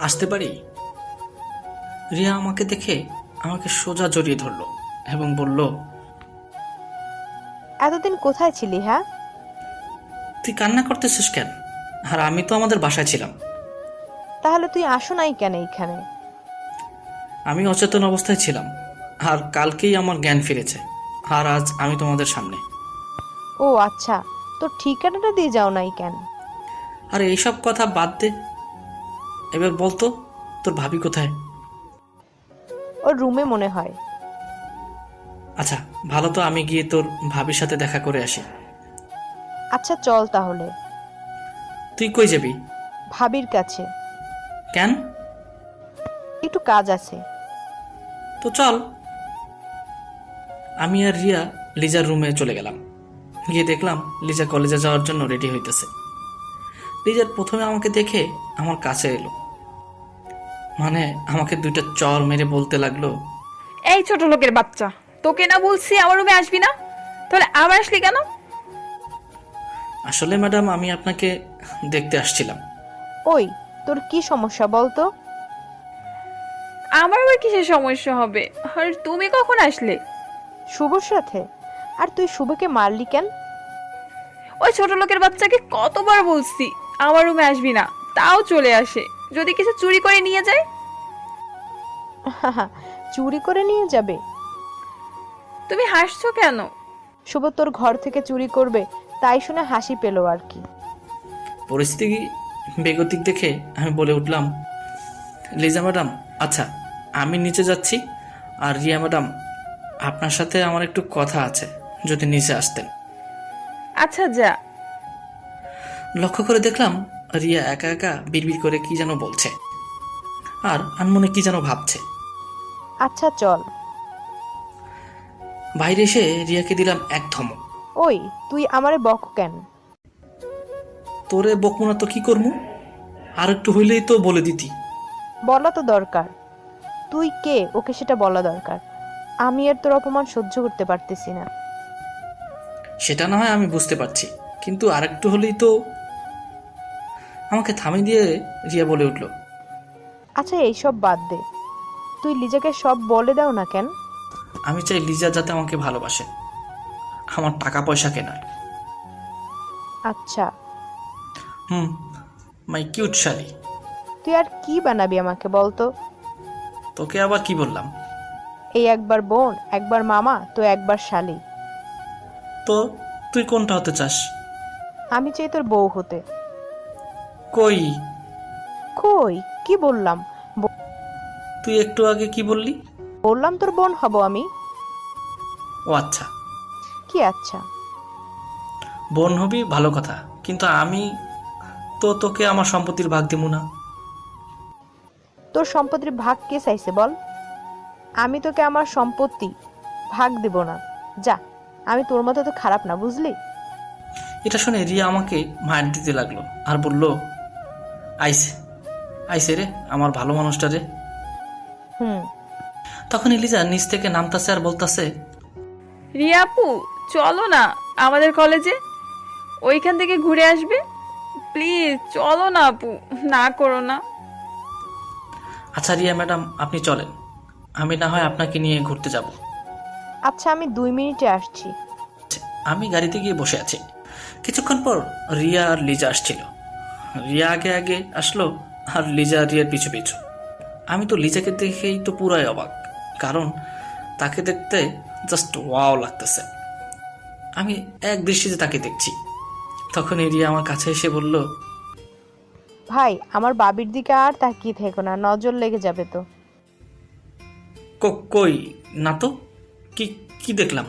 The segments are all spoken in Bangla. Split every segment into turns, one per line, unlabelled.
আসতে পারি? রিয়া আমাকে দেখে আমাকে সোজা জড়িয়ে ধরলো এবং বলল,
এতদিন কোথায় ছিলি? হ্যাঁ,
তুই কান্না করতেছিস কেন? আর আমি তো আমাদের বাসায় ছিলাম।
তাহলে তুই আসো নাই কেন এইখানে?
আমি অচেতন অবস্থায় ছিলাম, আর কালকেই আমার জ্ঞান ফিরেছে, আর আজ আমি তোমাদের সামনে।
ও আচ্ছা, তোর ঠিকানাটা দিয়ে যাও নাই কেন?
আর এইসব কথা বাদ দে, এবার বলতো তোর ভাবি কোথায়?
ওর রুমে মনে হয়।
আচ্ছা, ভালো, তো আমি গিয়ে তোর ভাবির সাথে দেখা করে আসি।
আচ্ছা চল তাহলে।
তুই কই যাবি?
ভাবির কাছে
কেন?
একটু কাজ আছে।
তো চল। আমি আর রিয়া লিজার রুমে চলে গেলাম। গিয়ে দেখলাম লিজা কলেজে যাওয়ার জন্য রেডি হইতেছে। লিজার প্রথমে আমাকে দেখে আমার কাছে এলো, মানে আমাকে দুইটা চর মেরে বলতে লাগলো,
এই ছোট লোকের বাচ্চা, তোকে না বলছি আমার রুমে আসবি না, তাহলে আবার আসলি কেন?
আসলে ম্যাডাম, আমি আপনাকে দেখতে আসছিলাম।
ওই, তোর কি সমস্যা বলতো?
আমার আবার কিসের সমস্যা হবে? আর তুমি কখন আসলে?
শুভর সাথে। আর তুই শুভকে মারলি কেন?
ওই ছোট লোকের বাচ্চাকে কতবার বলছি আমার রুমে আসবি না, তাও চলে আসে। যদি কিছু চুরি করে নিয়ে যায়?
চুরি করে নিয়ে যাবে?
তুমি হাসছো কেন?
শুভ তোর ঘর থেকে চুরি করবে, তাই শুনে হাসি পেল আর কি।
পরিস্থিতি বেগতিক দেখে আমি বলে উঠলাম, লিজা ম্যাডাম, আচ্ছা আমি নিচে যাচ্ছি, আর রিয়া ম্যাডাম, আপনার সাথে আমার একটু কথা আছে, যদি নিচে আসতেন।
আচ্ছা যা।
লক্ষ্য করে দেখলাম রিয়া একা একা বিড়বিড় করে কি যেন বলছে, আর আনমনে কি যেন ভাবছে।
আচ্ছা চল।
বাইরে এসে রিয়াকে দিলাম এক ধমক।
ওই, তুই আমারে বক কেন?
তোরে বকবো না তো কি করবো? আর একটু হইলেই তো বলে দিতি।
বলা তো দরকার। তুই কে ওকে সেটা বলা দরকার। আমি আর তোর অপমান সহ্য করতে পারতেছি না।
সেটা না হয় আমি বুঝতে পারছি, কিন্তু আর একটু হলেই তো। আমাকে থামিয়ে দিয়ে রিয়া বলে উঠল,
আচ্ছা এইসব বাদ দে, তুই লিজাকে সব বলে দাও না কেন?
আমি চাই লিজা যাতে আমাকে ভালোবাসে, আমার টাকা পয়সাকে নয়।
আচ্ছা,
হুম, মাই কিউট শালি।
তুই আর কি বানাবি আমাকে বলতো?
তোকে আবার কি বললাম?
এই একবার বোন, একবার মামা, তো একবার শালি।
তো তুই কোনটা হতে চাস?
আমি চাই তোর বউ হতে।
কই?
কই কি বললাম?
তুই একটু আগে কি বললি?
বললাম তোর বোন হব আমি।
ও আচ্ছা,
কি আচ্ছা?
বোন হবি ভালো কথা, কিন্তু আমি তো তোকে আমার সম্পত্তির ভাগ দিব না।
তোর সম্পত্তির ভাগ কে চাইছে বল? আমি তোকে আমার সম্পত্তি ভাগ দেব না। যা, আমি তোর মতো তো খারাপ না, বুঝলি?
এটা শুনে রিয়া আমাকে মার দিতে লাগলো আর বলল, আইসে আইসে রে আমার ভালো মানুষটা রে।
হুম।
তখন এলিজা নিচ থেকে নামতাছে আর বলতাছে,
রিয়া আপু, চলো না আমাদের কলেজে, ওইখান থেকে ঘুরে আসবে। প্লিজ চলো না আপু, না করো না।
আচ্ছা রিয়া ম্যাডাম, আপনি চলেন, আমি না হয় আপনাকে নিয়ে ঘুরতে যাব।
আচ্ছা, আমি 2 মিনিটে আসছি।
আমি গাড়িতে গিয়ে বসে আছি। কিছুক্ষণ পর রিয়া আর লিজা আসছিল। রিয়া আগে আগে আসলো, আর লিজা রিয়ার পিছু পিছু। আমি তো লিজাকে দেখেই তো পুরাই অবাক, কারণ তাকে দেখতে জাস্ট ওয়াও লাগতেছে। আমি এক দৃষ্টিতে তাকে দেখছি। তখনই রিয়া আমার কাছে এসে বলল,
ভাই, আমার বাবির দিকে আর তাকিয়ে থেকো না, নজর লেগে যাবে তো।
কই না তো, কি কি দেখলাম?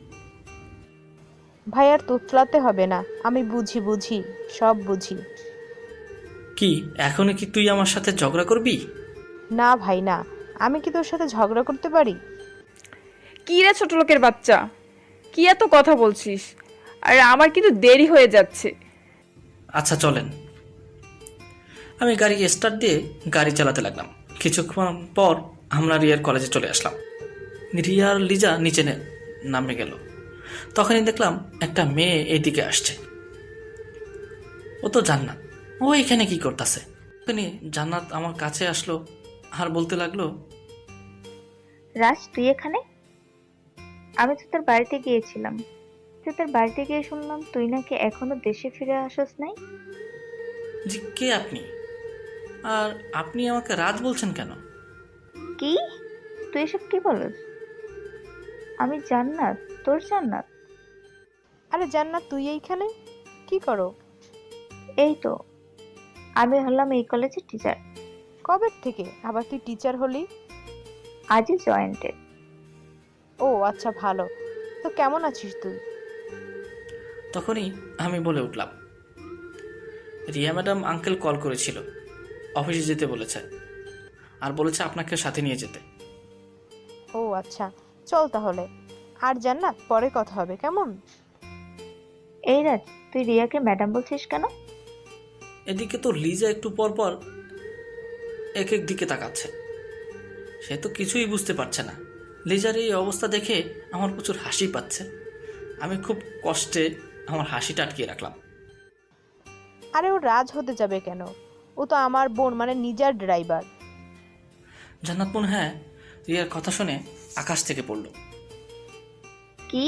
ভাই আর তোতলাতে হবে না, আমি বুঝি বুঝি, সব বুঝি।
কি এখনই কি তুই আমার সাথে ঝগড়া করবি?
না ভাই না, আমি কি তোর সাথে ঝগড়া করতে পারি?
কি রে ছোট লোকের বাচ্চা, কি এত কথা বলছিস? আর আমার কিন্তু দেরি হয়ে যাচ্ছে।
আচ্ছা চলেন। আমি গাড়ি স্টার্ট দিয়ে গাড়ি চালাতে লাগলাম। কিছুক্ষণ পর আমরা রিয়ার কলেজে চলে আসলাম। রিয়া আর লিজা নিচে নামে গেল। তখনই দেখলাম একটা মেয়ে এইদিকে আসছে। ও তো জান্নাত, ও এখানে কি করতেছে? তখনই জান্নাত আমার কাছে আসলো আর বলতে লাগলো,
রাজ, তুই এখানে? আমি তো তোর বাড়িতে গিয়েছিলাম। তুই তোর বাড়িতে গিয়ে শুনলাম তুই নাকি এখনো দেশে ফিরে আসস নাই।
জি কে আপনি? আর আপনি আমাকে রাজ বলছেন কেন?
কি? তুই এসব কি বলস? আমি জান্নাত, তোর জান্নাত।
আরে জান্নাত, তুই এইখানে কি করো?
এই তো, আমি হলাম এই কলেজের টিচার।
কবে থেকে আবার তুই টিচার হলি?
আজই জয়েন্টেড।
ও আচ্ছা, ভালো। তো কেমন আছিস তুই?
তখনই আমি বলে উঠলাম, রিয়া ম্যাডাম আঙ্কেল কল করেছিল, অফিসে যেতে বলেছে, আর বলেছে আপনাকে সাথে নিয়ে যেতে।
ও আচ্ছা, চল তাহলে। আর জান্নাত, পরে কথা হবে, কেমন?
এই রাজ, তুই রিয়াকে ম্যাডাম বলছিস কেন?
এদিকে তো লিজা একটু পর পর এক এক দিকে তাকাচ্ছে। সে তো কিছুই বুঝতে পারছে না। লিজার এই অবস্থা দেখে আমার প্রচুর হাসি পাচ্ছে। আমি খুব কষ্টে আমার হাসিটা আটকিয়ে রাখলাম।
আরে ও রাজ হতে যাবে কেন? ও তো আমার বোন, মানে নিজের ড্রাইভার।
জান্নাত মনে হ্যাঁ রিয়ার কথা শুনে আকাশ থেকে পড়ল।
কি?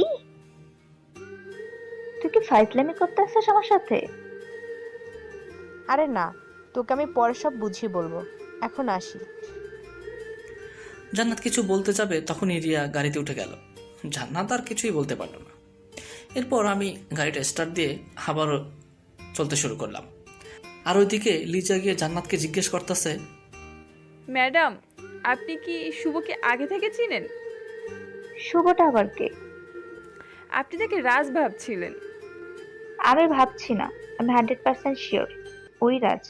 তুই কি ফাইজলামি করতে আসছিস আমার সাথে?
আরে না, তোকে আমি পরে সব বুঝিয়ে বলবো, এখন আসি।
জান্নাত কিছু বলতে যাবে তখনই রিয়া গাড়িতে উঠে গেল। জান্নাত আর কিছুই বলতে পারল না। এরপর আমি গাড়িটা স্টার্ট দিয়ে আবারও চলতে শুরু করলাম। আর ওইদিকে লিজা গিয়ে জান্নাতকে জিজ্ঞেস করতেছে,
ম্যাডাম, আপনি কি শুভকে আগে থেকে চিনেন?
শুভটা আবার কে?
আপনি তাকে রাজ ভাবছিলেন।
আমি ভাবছি না, আমি 100% শিওর ওই রাজ।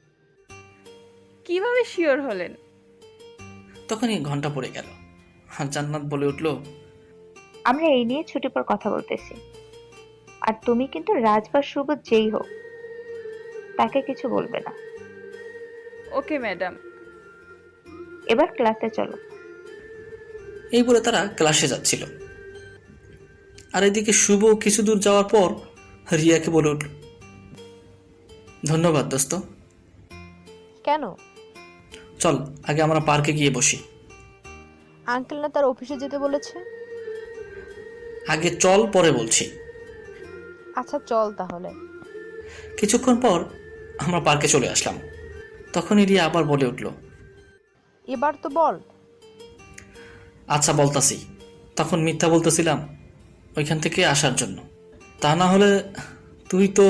কিভাবে শিওর হলেন?
তখনই ঘন্টা পড়ে গেল। আর জান্নাত বলে উঠল,
আমরা এই নিয়ে ছুটি পর কথা বলতেছি। আর তুমি কিন্তু রাজ বা শুভ যেই হোক, তাকে কিছু বলবে না।
Okay madam.
এবার ক্লাসে চলো।
এই বলে তারা ক্লাসে যাচ্ছিল। আর এদিকে শুভ কিছু দূর যাওয়ার পর রিয়াকে বলে উঠল, ধন্যবাদ দোস্ত।
কেন?
চল আগে আমরা পার্কে গিয়ে বসি।
আঙ্কেল না তার অফিসে যেতে বলেছে।
আগে চল, পরে বলছি।
আচ্ছা চল তাহলে।
কিছুক্ষণ পর আমরা পার্কে চলে আসলাম। তখনই রিয়া আবার বলে উঠল,
এবার তো বল।
আচ্ছা বলতাছি। তখন মিথ্যা বলতেছিলাম ওইখান থেকে আসার জন্য। তা না হলে তুই তো,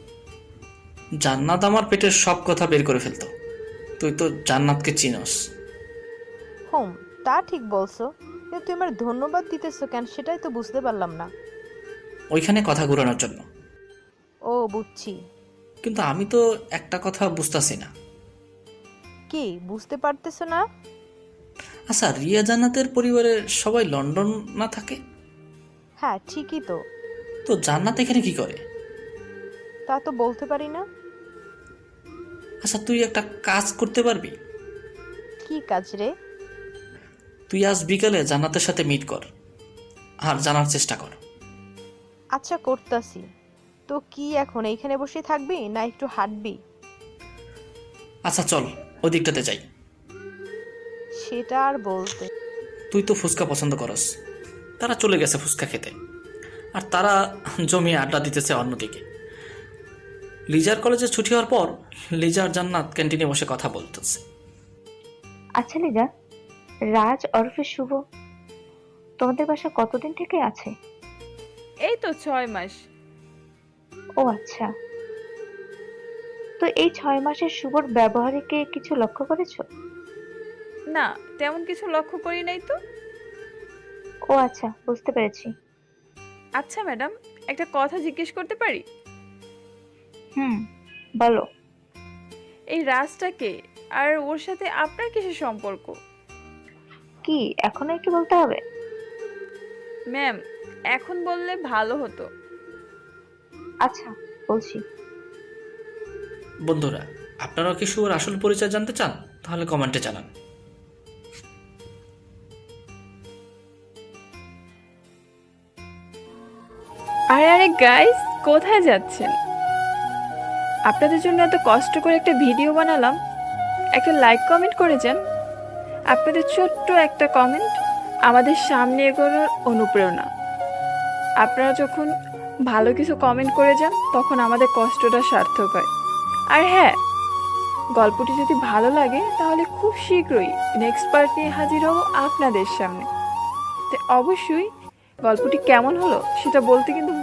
জান্নাত আমার পেটের সব কথা বের করে ফেলতো। তুই তো জান্নাতকে চিনস।
হোম, তা ঠিক বলছো, কিন্তু তুই আমার ধন্যবাদ দিতেছো কেন সেটাই তো বুঝতে পারলাম না।
ওইখানে কথা ঘুরানোর জন্য।
ও বুঝছি।
কিন্তু আমি তো একটা কথা বুঝতাছি না।
কি বুঝতে পারতেছো না?
আচ্ছা, রিয়া জান্নাতের পরিবারের সবাই লন্ডন না থাকে?
হ্যাঁ ঠিকই তো।
তো জান্নাত এখানে কি করে?
তা তো বলতে পারি না।
আচ্ছা, তুই একটা কাজ করতে পারবি?
কি কাজ রে?
তুই আজ বিকালে জান্নাতের সাথে মিট কর আর জানার চেষ্টা কর।
আচ্ছা করতাছি। তো কি এখন এইখানে বসে থাকবি না একটু হাঁটবি?
আচ্ছা চল ওই দিকটাতে যাই।
সেটা আর বলতে।
তুই তো ফুচকা পছন্দ করস। তারা চলে গেছে ফুচকা খেতে, আর তারা জমিয়ে আড্ডা দিতেছে অন্যদিকে। লিজার কলেজে ছুটি হওয়ার পর লিজা আর জান্নাত ক্যান্টিনে বসে কথা বলতেছে।
আচ্ছা লিজা, রাজ ওরফে শুভ তোমাদের বাসা কতদিন থেকে আছে?
এই তো 6 মাস।
ও আচ্ছা, তো এই 6 মাসের শুভর ব্যবহারে কি কিছু লক্ষ্য করেছো?
না, তেমন কিছু লক্ষ্য করি নাই তো।
ও আচ্ছা, বুঝতে পেরেছি।
আচ্ছা ম্যাডাম, একটা কথা জিজ্ঞেস করতে পারি?
হুম, বলো।
এই রাজটাকে আর ওর সাথে আপনার কিসের সম্পর্ক?
কি এখনো কি বলতে হবে?
ম্যাম, এখন বললে ভালো হতো।
আচ্ছা বলছি।
বন্ধুরা, আপনারাও কি শুভর আসল পরিচয় জানতে চান? তাহলে কমেন্টে জানান।
আরে আরে গাইস, কোথায় যাচ্ছেন? আপনাদের জন্য এত কষ্ট করে একটা ভিডিও বানালাম, একটা লাইক কমেন্ট করে যান। আপনাদের ছোট্ট একটা কমেন্ট আমাদের সামনে এগোনোর অনুপ্রেরণা। আপনারা যখন ভালো কিছু কমেন্ট করে যান তখন আমাদের কষ্টটা সার্থক হয়। আর হ্যাঁ, গল্পটি যদি ভালো লাগে তাহলে খুব শীঘ্রই নেক্সট পার্ট নিয়ে হাজির হব আপনাদের সামনে। তো অবশ্যই গল্পটি কেমন হলো সেটা বলতে কিন্তু